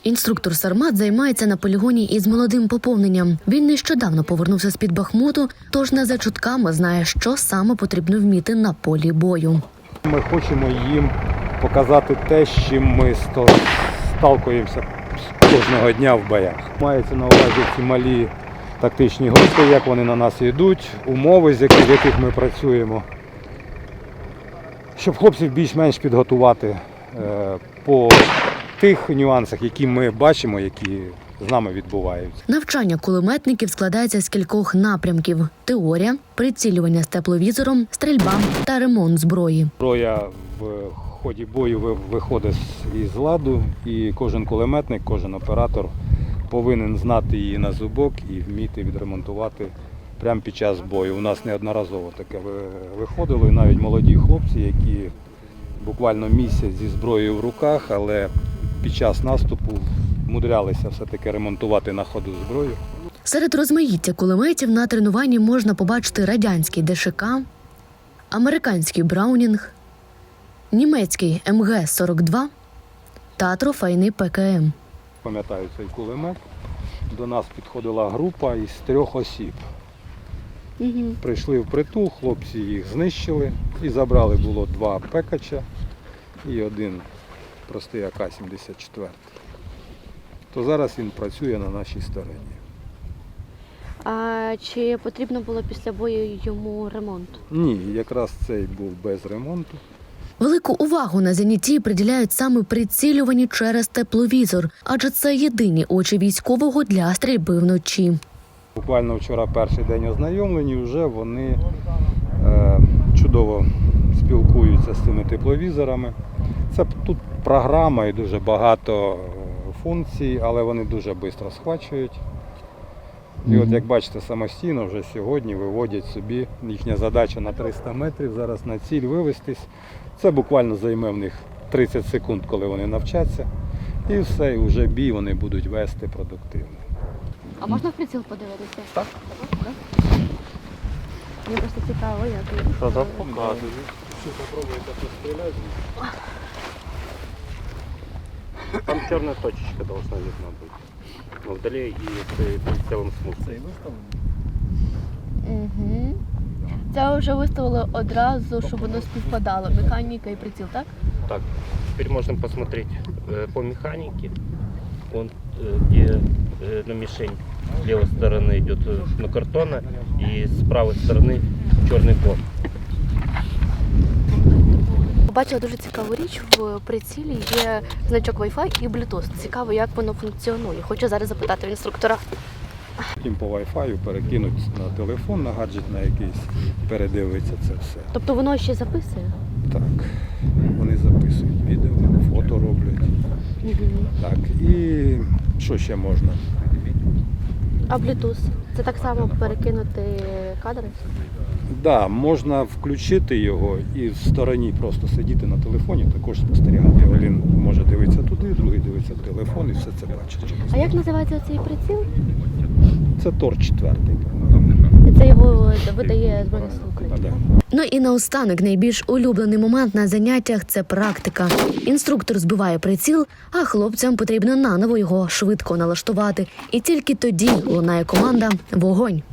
Інструктор Сармат займається на полігоні із молодим поповненням. Він нещодавно повернувся з-під Бахмуту, тож не за чутками знає, що саме потрібно вміти на полі бою. Ми хочемо їм показати те, з чим ми сталкуємося кожного дня в боях. Мається на увазі ці малі тактичні групи, як вони на нас йдуть, умови, в яких ми працюємо. Щоб хлопців більш-менш підготувати по тих нюансах, які ми бачимо, які з нами відбуваються. Навчання кулеметників складається з кількох напрямків: теорія, прицілювання з тепловізором, стрільба та ремонт зброї. Зброя в ході бою виходить із ладу, і кожен кулеметник, кожен оператор повинен знати її на зубок і вміти відремонтувати прямо під час бою. У нас неодноразово таке виходило, і навіть молоді хлопці, які буквально місяць зі зброєю в руках, але під час наступу мудрялися все-таки ремонтувати на ходу зброю. Серед розмаїття кулеметів на тренуванні можна побачити радянський ДШК, американський Браунінг, німецький МГ-42 та трофейний ПКМ. Пам'ятаю цей кулемет. До нас підходила група із 3 осіб. Прийшли впритул, хлопці їх знищили і забрали було 2 пекача і 1 простий АК-74. То зараз він працює на нашій стороні. А чи потрібно було після бою йому ремонт? Ні, якраз цей був без ремонту. Велику увагу на зенітті приділяють саме прицілюванню через тепловізор, адже це єдині очі військового для стрільби вночі. Буквально вчора перший день ознайомлені, вже вони чудово спілкуються з цими тепловізорами. Це тут програма і дуже багато функцій, але вони дуже швидко схвачують. І от як бачите, самостійно вже сьогодні виводять собі, їхня задача на 300 метрів, зараз на ціль вивестись. Це буквально займе в них 30 секунд, коли вони навчаться. І все, і вже бій вони будуть вести продуктивно. А можна в приціл подивитися? Так. Мені просто цікаво, як. Що там показують? Що попробуйте постріляти? Там черная точечка должна видна быть. Но вдали и в целом смысл. Угу. Це вже виставили одразу, щоб воно співпадало. Механіка і приціл, так? Так, теперь можно посмотреть по механике. Он где на мишень с левой стороны идет на картона и с правой стороны черный код. Побачила дуже цікаву річ, в прицілі є значок Wi-Fi і Bluetooth. Цікаво, як воно функціонує. Хочу зараз запитати в інструктора. Потім по Wi-Fi перекинуть на телефон, на гаджет на якийсь, передивиться це все. Тобто воно ще записує? Так, вони записують відео, фото роблять. Так, і що ще можна? А Bluetooth? Це так само перекинути кадри? Да, можна включити його і в стороні просто сидіти на телефоні, також спостерігати. Один може дивитися туди, другий дивиться в телефон і все це бачить. А як називається цей приціл? Це Тор-4. Це його видає Збройні Сили України. Да. Ну і наостанок найбільш улюблений момент на заняттях – це практика. Інструктор збиває приціл, а хлопцям потрібно наново його швидко налаштувати. І тільки тоді лунає команда «Вогонь».